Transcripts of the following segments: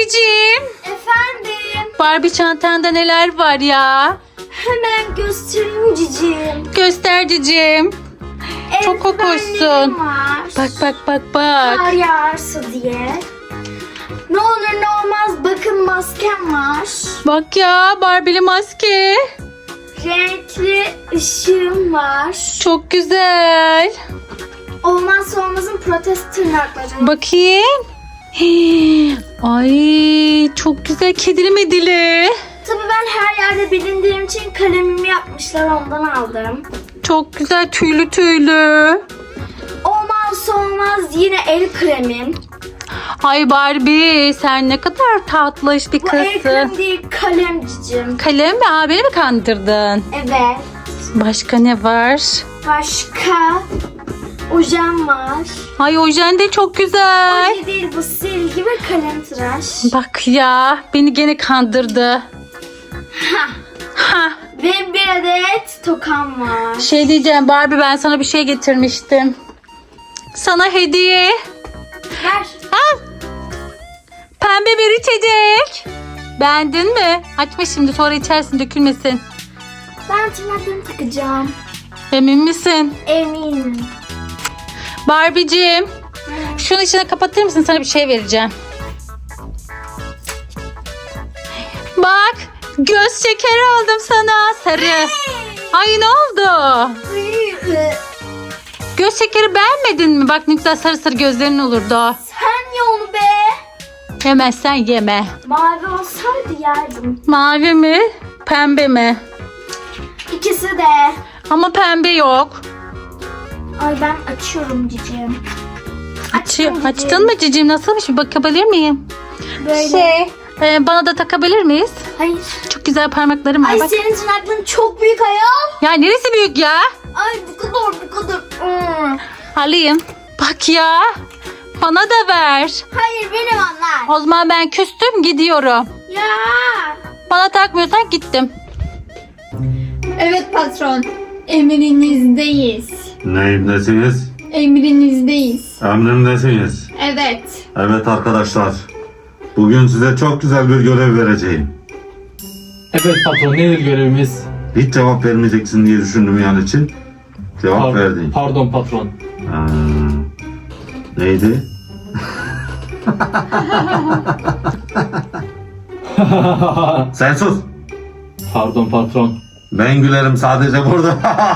Barbie'ciğim. Efendim. Barbie çantanda neler var ya? Hemen göstereyim cicim. Göster cicim. Çok hoşsun. Var. Bak. Kar yağarsa diye. Ne olur ne olmaz bakın maskem var. Bak ya Barbie'li maske. Renkli ışığım var. Çok güzel. Olmazsa olmazın protez tırnaklarım. Bakayım. Hii. Ay çok güzel kedili medili. Tabii ben her yerde bilindiğim için kalemimi yapmışlar, ondan aldım. Çok güzel tüylü. Olmazsa olmaz yine el kremim. Ay Barbie sen ne kadar tatlış bir Bu el kızsın. krem değil, kalem cicim. Kalem mi? Aa, beni mi kandırdın? Evet. Başka ne var? Başka ojem var. Ay ojen de çok güzel. Oje değil bu, silgi ve kalem tıraş. Bak ya beni gene kandırdı. Ha. Ve bir adet tokam var. Şey diyeceğim Barbie ben sana bir şey getirmiştim. Sana hediye. Ver. Al. Pembe bir içecek. Beğendin mi? Açma şimdi sonra içersin dökülmesin. Ben tırnaklarımı takacağım. Emin misin? Eminim. Barbie'ciğim. Şunu içine kapatır mısın? Sana bir şey vereceğim. Bak. Göz şekeri aldım sana. Sarı. Ay ne oldu? Göz şekeri beğenmedin mi? Bak ne güzel sarı sarı gözlerin olurdu. Sen ye onu be. Yemezsen yeme. Mavi olsaydı yerdim. Mavi mi? Pembe mi? İkisi de. Ama pembe yok. Ay ben açıyorum cicim. Açtım cicim. Açtın mı cicim? Nasılmış bir bakabilir miyim? Böyle. Bana da takabilir miyiz? Hayır. Çok güzel parmaklarım var. Ay Bak. senin tırnakların çok büyük ayol. Ya neresi büyük ya? Ay bu kadar. Alayım. Bak ya. Bana da ver. Hayır benim onlar. O zaman ben küstüm gidiyorum. Ya. Bana takmıyorsan gittim. Evet patron. Emrinizdeyiz. Neyimdesiniz? Emrinizdeyiz. Emrimdesiniz. Evet. Evet arkadaşlar. Bugün size çok güzel bir görev vereceğim. Evet patron nedir görevimiz? Hiç cevap vermeyeceksin diye düşündüm yani için. Cevap verdim. Pardon patron. Neydi? Sen sus. Pardon patron. Ben gülerim sadece burada.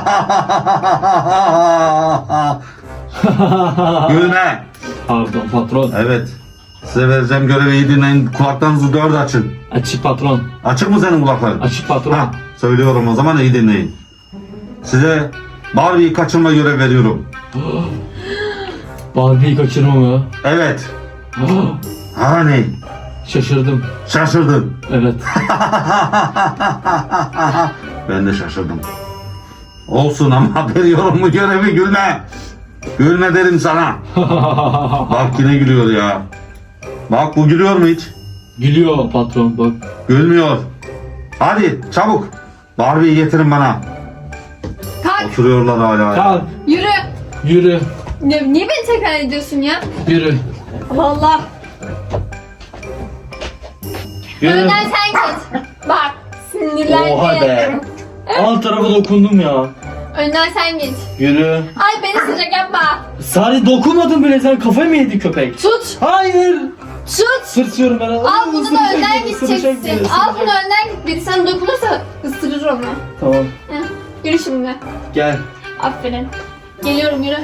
Gülme. Pardon patron. Evet. Size vereceğim görevi iyi dinleyin. Kulaklarınızı dört açın. Açık patron. Açık mı senin kulakların? Açık patron. Ha, söylüyorum o zaman iyi dinleyin. Size Barbie'yi kaçırma görev veriyorum. Barbie'yi kaçırma mı? Evet. Hani? Şaşırdım. Şaşırdın. Evet. Ben de şaşırdım. Olsun ama veriyorum bu görevi, gülme. Gülme derim sana. Bak yine gülüyor ya. Bak bu gülüyor mu hiç? Gülüyor patron bak. Gülmüyor. Hadi çabuk. Barbie'yi getirin bana. Kalk. Oturuyorlar hala. Kalk. Yürü. Yürü. Niye beni tekrar ediyorsun ya? Yürü. Allah. Yürü. Önden sen git. Bak. Sinirlendim. Oha be. Alt tarafı dokundum ya. Önden sen git. Yürü. Ay beni sıcak yapma. Sadece dokunmadın bile, sen kafayı mı yedi köpek? Tut. Hayır. Tut. Sırtıyorum ben. Al bunu da Isıracak önden beni, ısıracak gideceksin. beni, Al bunu ısıracak. önden git. Biri sana dokunursa ısırır onu. Tamam. Heh. Yürü şimdi. Gel. Aferin. Geliyorum yürü.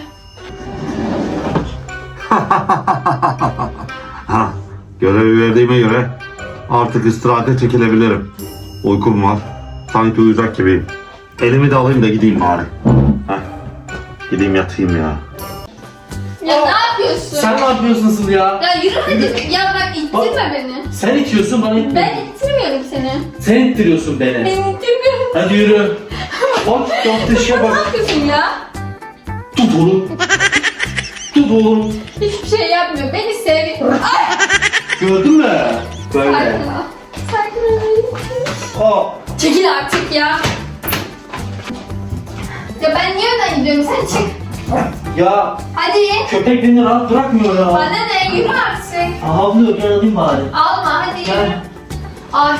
Ha, görevi verdiğime göre artık istirahate çekilebilirim. Uykum var. Sanki uyuyacak gibi. Elimi de alayım da gideyim bari. Heh. Gideyim yatayım ya. Ya ne yapıyorsun? Sen ne yapıyorsun asıl ya? Ya yürü hadi. Ya bak ittirme beni. Sen itiyorsun, bana itme. Ben ittirmiyorum seni. Sen ittiriyorsun beni. Ben ittirmiyorum. Hadi yürü. Bak yaptığı işe Ne bak. yapıyorsun ya? Tut oğlum. Tut oğlum. Hiçbir şey yapmıyor. Beni sev. Ay! Gördün mü? Böyle. Sakin ol. Sakin ol. Aa. Çekil artık ya. Ya ben niye önden gidiyorum? Sen çık. Ya Hadi. köpek beni rahat bırakmıyor ya. Bana ne? Yürü artık. Havlıyor, gel alayım bari. Alma hadi yürü. Gel. Ay.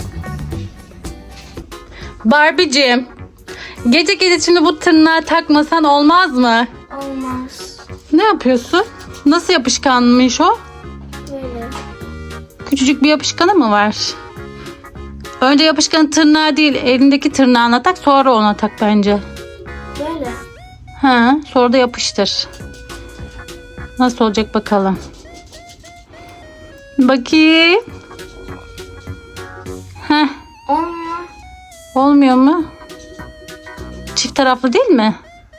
Barbie'cim, gece gece şimdi bu tırnağı takmasan olmaz mı? Olmaz. Ne yapıyorsun? Nasıl yapışkanmış o? Böyle. Küçücük bir yapışkanı mı var? Önce yapışkanı tırnağı değil, elindeki tırnağına tak, sonra ona tak bence. Böyle. Ha, sonra da yapıştır. Nasıl olacak bakalım. Bakayım. Heh, Olmuyor. olmuyor mu? Çift taraflı değil mi?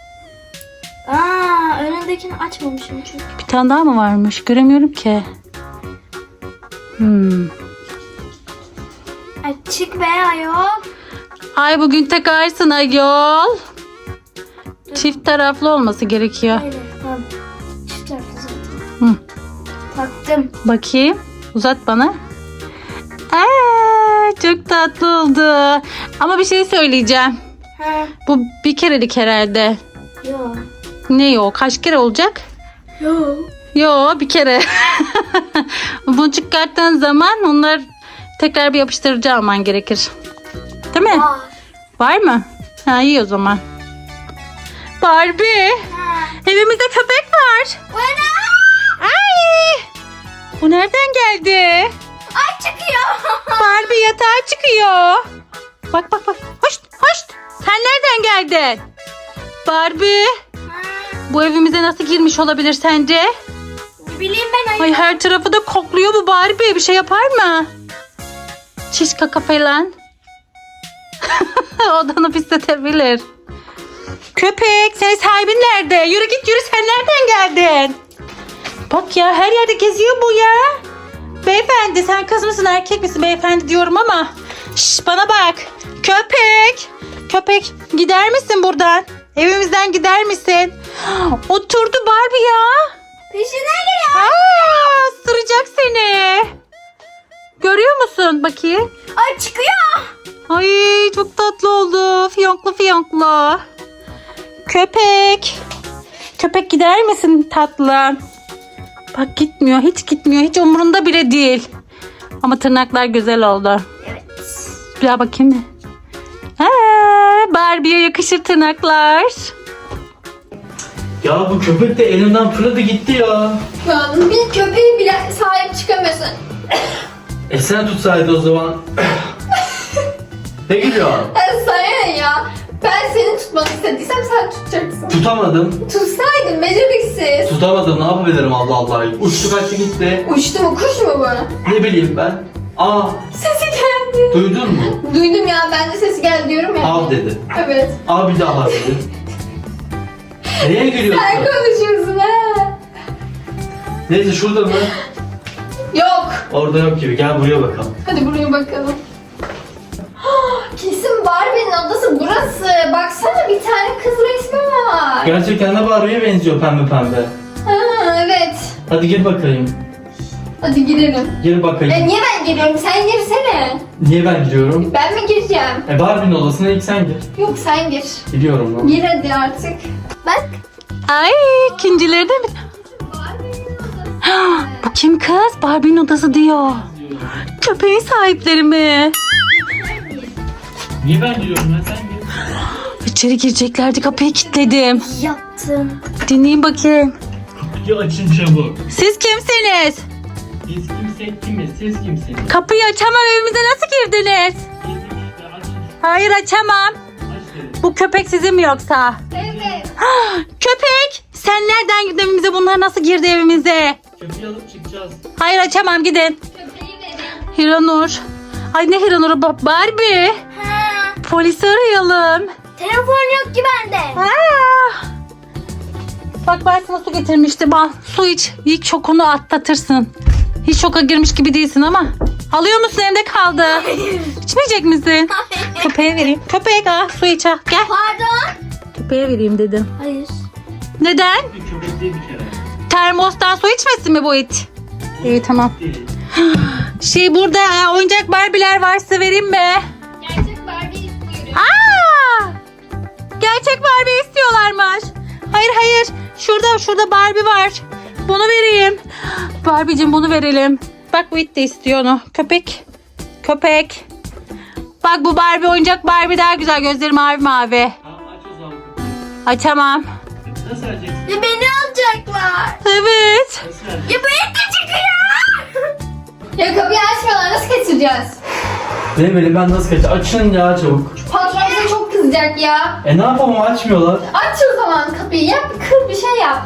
Önündekini açmamışım çünkü. Bir tane daha mı varmış? Göremiyorum ki. Açık be ayol. Ay bugün takarsın ayol. Çift taraflı olması gerekiyor. Böyle. Tamam. Çift taraflı zaten. Hı. Taktım. Bakayım. Uzat bana. Çok tatlı oldu. Ama bir şey söyleyeceğim. Ha. Bu bir kerelik herhalde. Yok. Ne yok? Kaç kere olacak? Yok. Yo, bir kere. Bunu çıkarttığın zaman onlar tekrar bir yapıştırıcı alman gerekir. Değil mi? Var. Var mı? Ha, iyi o zaman. Barbie, Ha. evimizde köpek var. Ay! Bu nereden geldi? Ay çıkıyor. Barbie yatağa çıkıyor. Bak bak bak. Hoş hoş. Sen nereden geldin? Barbie, bu evimize nasıl girmiş olabilir sence? Ne bileyim ben ayol. Ay her tarafı da kokluyor bu Barbie. Bir şey yapar mı? Çiş kaka falan. Odanı pisletebilir. Köpek, senin sahibin nerede? Yürü git yürü, sen nereden geldin? Bak ya, her yerde geziyor bu ya. Beyefendi, sen kız mısın erkek misin beyefendi diyorum ama. Şş, bana bak. Köpek. Köpek, gider misin buradan? Evimizden gider misin? Oturdu Barbie ya. Peşine geliyor. Aa, ısıracak seni. Görüyor musun? Bakayım. Ay çıkıyor. Ay çok tatlı oldu. Fiyonklu fiyonklu. Köpek. Köpek gider misin tatlım? Bak gitmiyor. Hiç gitmiyor. Hiç umurunda bile değil. Ama tırnaklar güzel oldu. Evet. Bir daha bakayım mı? Barbie'ye yakışır tırnaklar. Ya bu köpek de elimden fırladı gitti ya. Ya bir köpeğe bile sahip çıkamıyorsun. Sen tutsaydı o zaman. Ne gülüyor? Sana ne ya? Ben senin tutmanı istediysem sen tutacaksın. Tutamadım. Tutsaydın beceriksiz. Tutamadım, ne yapabilirim Allah Allah. Uçtu kaçtı gitti. Uçtu mu kuş mu bu? Ne bileyim ben. Aa, Sesi geldi. duydun mu? Duydum ya, ben de sesi geldi diyorum ya. Av dedi. Evet. Aa, bir daha dedi. Neye gülüyorsun? Sen konuşuyorsun ha. Neyse, şurada mı? Yok. Orada yok gibi. Gel buraya bakalım. Hadi buraya bakalım. Kesin Barbie'nin odası burası. Baksana, bir tane kız resmi var. Gerçekten de Barbie'ye benziyor, pembe pembe. Ha, evet. Hadi gir bakayım. Hadi girelim. Gir bakayım. Niye ben giriyorum? Sen girsene. Niye ben giriyorum? Ben mi gireceğim? Barbie'nin odasına ilk sen gir. Yok, sen gir. Gidiyorum lan. Gir hadi artık. Bak. Ay ikincileri de mi? Bu kim kız? Barbie'nin odası diyor. Köpeğin sahipleri mi? Niye ben giriyorum ya, sen gir. İçeri gireceklerdi, kapıyı kilitledim. Yaptım. Dinleyin bakayım. Kapıyı açın çabuk. Siz kimsiniz? Biz kimsek kimiz, siz kimsiniz? Kapıyı açamam, evimize nasıl girdiniz? Biz işte açın. Hayır açamam. Aç dedim. Bu köpek sizin mi yoksa? Evet. Köpek! Sen nereden girdin evimize? Bunlar nasıl girdi evimize? Köpeği alıp çıkacağız. Hayır açamam, gidin. Köpeği verin. Hiranur. Ay ne Hiranur'u? Barbie. Ha. Polisi arayalım. Telefon yok ki bende. Aa! Bak ben sana su getirmiştim. Al su iç. İlk şokunu atlatırsın. Hiç şoka girmiş gibi değilsin ama. Alıyor musun, evde kaldı? İçmeyecek misin? Köpeğe vereyim. Köpek su iç al. Gel. Pardon. Köpeğe vereyim dedim. Hayır. Neden? Bir köpek değil bir kere. Termostan su içmesin mi bu it? İyi tamam. Değil. Burada oyuncak Barbie'ler varsa vereyim mi? Gerçek Barbie istiyorum. Aa! Gerçek Barbie istiyorlarmış. Hayır hayır. Şurada Barbie var. Bunu vereyim. Barbie'cim bunu verelim. Bak Wit de istiyor onu. Köpek. Bak bu Barbie oyuncak Barbie daha güzel. Gözleri mavi mavi. Tamam aç o zaman. Ay tamam. Nasıl vereceksin? Ya beni alacaklar. Evet. Nasıl vereceksin? Ya beni de çıkıyor. Ya kapıyı açmıyorlar, nasıl kaçıracağız? Ne böyle ben nasıl kaçacağım? Açın ya çabuk. Patron bize çok kızacak ya. Ne yapalım açmıyorlar. Aç o zaman kapıyı, yap, kır bir şey yap.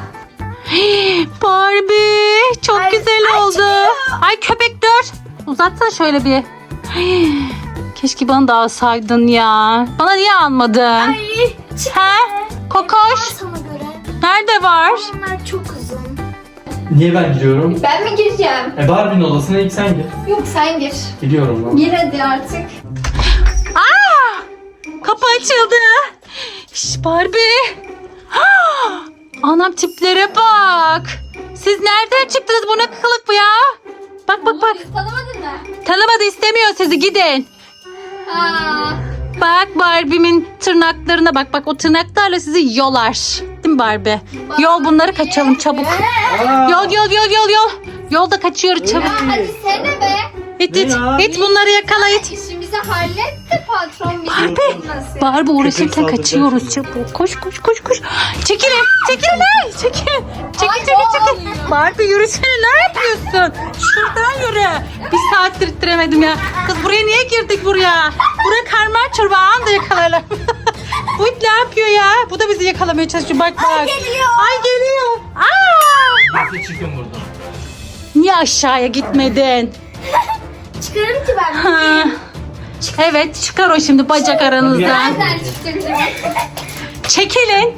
Barbie çok Ay, güzel ay oldu. çıkıyor. Ay köpek dur. Uzatsana şöyle bir. Keşke bana da alsaydın ya. Bana niye almadın? Ay çık. Ha? Kokoş. Sana göre. Nerede var? Onlar çok uzun. Niye ben giriyorum? Ben mi gireceğim? Barbie'nin odasına ilk sen gir. Yok sen gir. Gidiyorum ben. Gir hadi artık. Aa! Kapı açıldı. Şş, Barbie. Ah! Anam tiplere bak. Siz nereden çıktınız? Bu ne kılık bu ya? Bak. Biz tanımadın mı? Tanımadı, istemiyor sizi, gidin. Aa, Bak Barbie'min tırnaklarına bak. Bak o tırnaklarla sizi yolar. Değil mi Barbie? Yol bunları, kaçalım çabuk. Yol. Yolda kaçıyoruz çabuk. hadi sene be. İt Ne ya? bunları yakala it. İşimizi halletti patron bizi. Barbie. Nasıl? Barbie uğraşırken saldıracak kaçıyoruz şimdi. çabuk. Koş. Çekilin. Hey, çekil. Ay, Çekil. Barbie yürüsene, ne yapıyorsun? Şuradan yürü. Bir saattir ittiremedim ya. Kız buraya niye girdik buraya? Buraya karman çorba anında yakalarlar. Bu it ne yapıyor ya? Bu da bizi yakalamaya çalışıyor. Bak. Ay geliyor. Aa! Nasıl çıkın buradan? Niye aşağıya gitmedin? Çıkarım ki ben. Ha. Evet, çıkar o şimdi bacak aranızdan. Nereden çıktı bizim? Çekilin.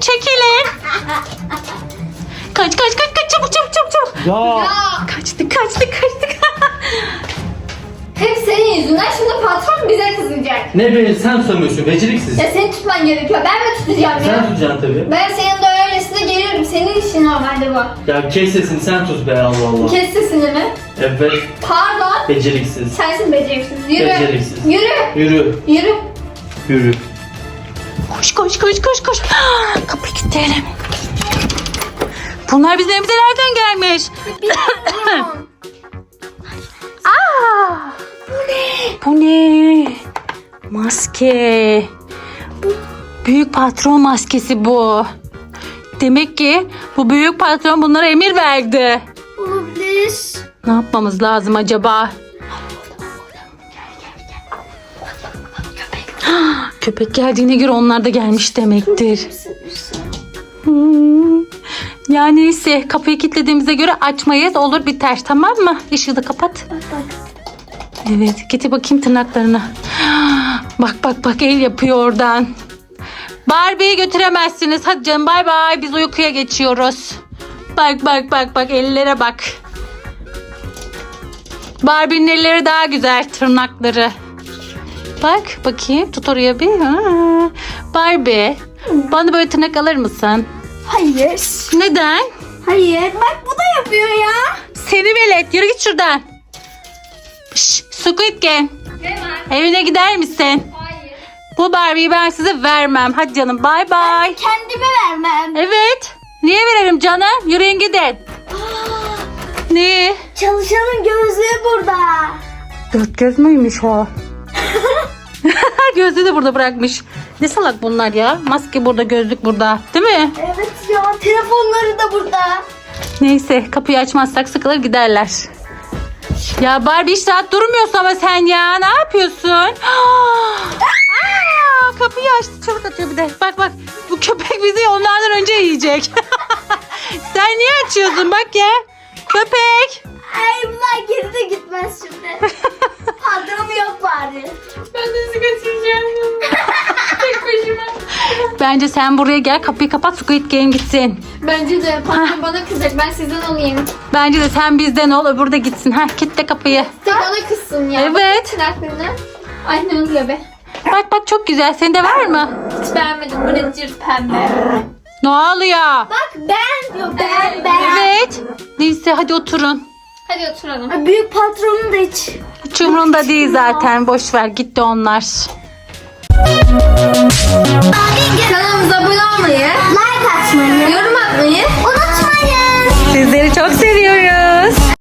Kaç çabuk. Ya. Ya Kaçtık. hep senin yüzünden şimdi patron bize kızacak. Ne be sen tutamıyorsun beceriksiz. Ya seni tutman gerekiyor. Ben mi tutacağım Sen ya? tutacaksın tabii. Ben senin de öylesine geliyorum. Senin işin normalde bu. Ya kes sesini sen tut be Allah Allah. Kes sesini mi? Evet Pardon. beceriksiz. Sensin beceriksiz. Yürü. Beceriksiz. Yürü. Yürü. Koş. Kapıyı kilitleyelim. Bunlar bizim evimize nereden gelmiş? Bilmiyorum. Aa! Bu ne? Maske. Büyük patron maskesi bu. Demek ki bu büyük patron bunlara emir verdi. Olabilir. Ne yapmamız lazım acaba? Köpek geldiğine göre onlar da gelmiş demektir. Yani neyse, kapıyı kilitlediğimize göre açmayız, olur biter, tamam mı? Işığı da kapat. Evet, getir bakayım tırnaklarını. Bak el yapıyor oradan. Barbie'yi götüremezsiniz. Hadi canım, bay bay, biz uykuya geçiyoruz. Bak ellere bak. Barbie'nin elleri daha güzel, tırnakları. Bak bakayım, tut oraya bir. Barbie, bana böyle tırnak alır mısın? Hayır. Neden? Hayır. Bak bu da yapıyor ya. Seni velet, yürü git şuradan. Şşş, Squid Game, Ne var? evine gider misin? Hayır. Bu Barbie'yi ben size vermem. Hadi canım, bay bay. Kendime vermem. Evet, niye verelim canım? Yürüyün gidin. Ne? Çalışanın gözlüğü burada. Dört göz müymüş o? Gözlüğü de burada bırakmış. Ne salak bunlar ya? Maske burada, gözlük burada. Değil mi? Evet ya, telefonları da burada. Neyse, kapıyı açmazsak sıkılır giderler. Ya Barbie hiç rahat durmuyorsun ama sen ya. Ne yapıyorsun? Kapıyı açtı, çabuk atıyor bir de. Bak bu köpek bizi onlardan önce yiyecek. Sen niye açıyorsun bak ya? Köpek. Ay bunlar geri de gitmez şimdi. Patronu yok bari. Ben de sizi kaçıracağım. Tek başıma. Bence sen buraya gel, kapıyı kapat, Squid Game gitsin. Bence de patron bana kızacak. Ben sizden alayım. Bence de sen bizden ol, öbürü de gitsin. Kilitle kapıyı. Tek bana kızsın ya. Evet. Tırnaklarını. Ay ne oluyor be? Bak çok güzel. Senin de var mı? Hiç beğenmedim. Bu ne cırt pembe. Ne oluyor? Bak ben. Yok ben. Evet. Neyse hadi oturun. Hadi oturalım. Ay, büyük patronun da hiç. Hiç umurunda değil zaten. Boş ver, gitti onlar. Kanalımıza abone olmayı, Like atmayı. yorum atmayı atmayı unutmayın. Sizleri çok seviyoruz.